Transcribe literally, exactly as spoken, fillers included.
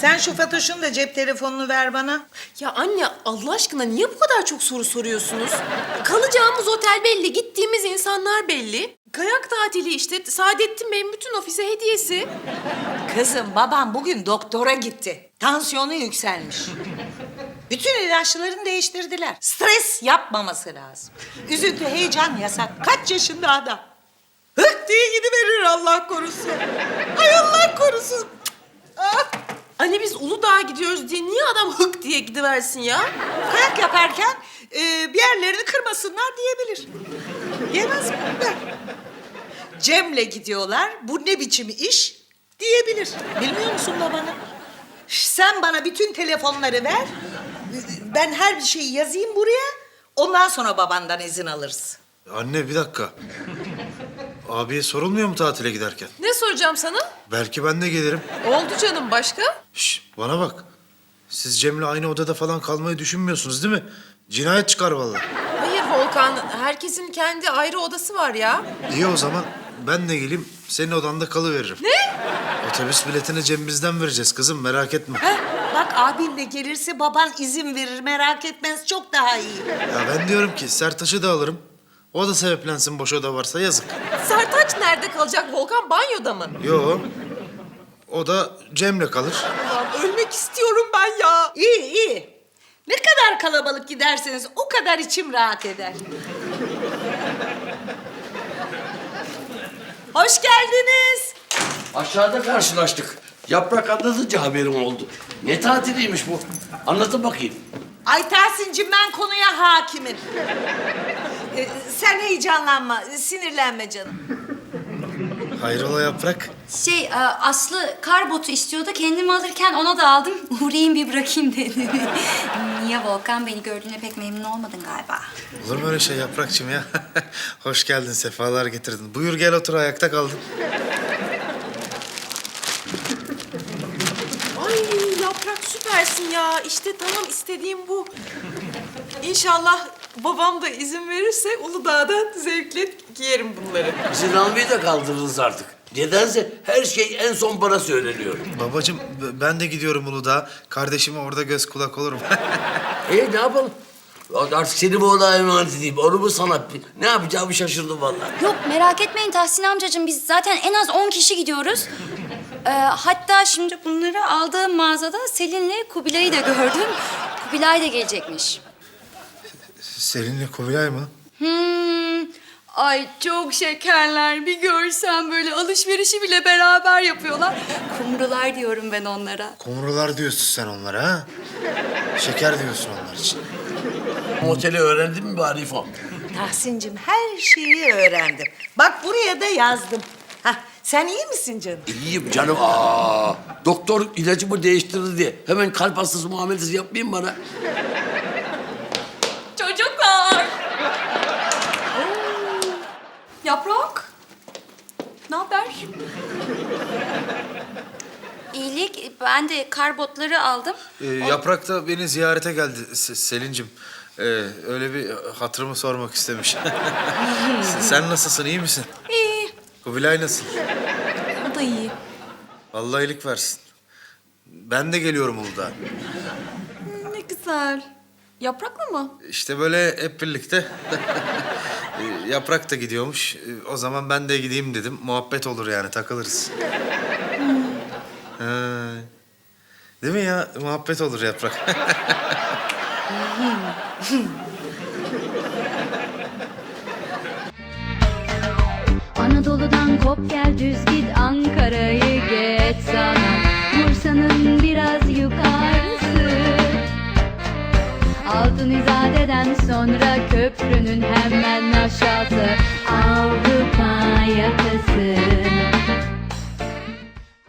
Sen şu Fatoş'un da cep telefonunu ver bana. Ya anne Allah aşkına niye bu kadar çok soru soruyorsunuz? Kalacağımız otel belli, gittiğimiz insanlar belli. Kayak tatili işte, Saadettin Bey'in bütün ofise hediyesi. Kızım babam bugün doktora gitti. Tansiyonu yükselmiş. Bütün ilaçlarını değiştirdiler. Stres yapmaması lazım. Üzüntü, heyecan yasak. Kaç yaşında adam? Hık diye gidiverir Allah korusun. Ay Allah korusun. Ah. Anne biz Uludağ'a gidiyoruz diye niye adam hık diye gidiversin ya? Kayak yaparken e, bir yerlerini kırmasınlar diyebilir. Yemez mi? Ben. Cem'le gidiyorlar. Bu ne biçim iş diyebilir. Bilmiyor musun babanı? Sen bana bütün telefonları ver. Ben her bir şeyi yazayım buraya. Ondan sonra babandan izin alırız. Anne bir dakika. Abiye sorulmuyor mu tatile giderken? Ne soracağım sana? Belki ben de gelirim. Oldu canım başka? Şş, bana bak. Siz Cem'le aynı odada falan kalmayı düşünmüyorsunuz değil mi? Cinayet çıkar vallahi. Hayır Volkan, herkesin kendi ayrı odası var ya. İyi o zaman ben de geleyim senin odanda kalıveririm. Ne? Otobüs biletini cebimizden vereceğiz kızım merak etme. Heh, bak abin de gelirse baban izin verir. Merak etmez. Çok daha iyi. Ya ben diyorum ki Sertaç'ı da alırım. O da sebeplensin boş oda varsa yazık. Sertaç nerede kalacak Volkan? Banyoda mı? Yo. O da Cem'le kalır. Ulan ölmek istiyorum ben ya. İyi iyi. Ne kadar kalabalık giderseniz o kadar içim rahat eder. Hoş geldiniz. Aşağıda karşılaştık. Yaprak anlatınca haberim oldu. Ne tatiliymiş bu? Anlatın bakayım. Ay Tahsin'cim ben konuya hakimim. Ee, sen heyecanlanma, sinirlenme canım. Hayrola Yaprak? Şey, e, Aslı kar botu istiyordu. Kendimi alırken ona da aldım. Uğrayayım bir bırakayım dedi. Niye Volkan? Beni gördüğüne pek memnun olmadın galiba. Olur mu öyle şey Yaprakçığım ya? Hoş geldin, sefalar getirdin. Buyur gel otur, ayakta kaldın. Ay Yaprak süpersin ya. İşte tamam istediğim bu. İnşallah babam da izin verirse Uludağ'dan zevkle giyerim bunları. İzin almayı da kaldırdınız artık. Nedense her şey en son bana söyleniyor. Babacığım b- ben de gidiyorum Uludağ'a. Kardeşime orada göz kulak olurum. E ne yapalım? Artık seni bu odaya emanet edeyim. Onu mu sana? Ne yapacağımı şaşırdım vallahi. Yok merak etmeyin Tahsin amcacığım. Biz zaten en az on kişi gidiyoruz. Ee, hatta şimdi bunları aldığım mağazada Selin'le Kubilay'ı da gördüm. Kubilay da gelecekmiş. Selin'le Kubilay mı? Hmm. Ay çok şekerler. Bir görsen böyle alışverişi bile beraber yapıyorlar. Kumrular diyorum ben onlara. Kumrular diyorsun sen onlara ha? Şeker diyorsun onlar için. Oteli öğrendin mi bari İfo? Tahsin'cim her şeyi öğrendim. Bak buraya da yazdım. Hah, sen iyi misin canım? İyiyim canım. Aa, doktor ilacımı değiştirdi diye hemen kalp hastası muamelesi yapmayayım bana. Çocuklar! Yaprak! Ne haber? İyilik. Ben de kar botları aldım. Ee, Yaprak da beni ziyarete geldi Se- Selin'cim. Ee, öyle bir hatırımı sormak istemiş. Sen nasılsın, iyi misin? İyi. Kubilay nasıl? O da iyi. Allah iyilik versin. Ben de geliyorum Uludağ'a. Ne güzel. Yaprakla mı? İşte böyle hep birlikte. Ee, Yaprak da gidiyormuş. Ee, O zaman ben de gideyim dedim. Muhabbet olur yani, takılırız. Ha. Değil mi ya? Muhabbet olur Yaprak. Anadolu'dan kop gel düz git Ankara'yı geç sana Bursa'nın biraz yukarısı Altın İzade'den sonra köprünün hemen aşağısı Avrupa yakası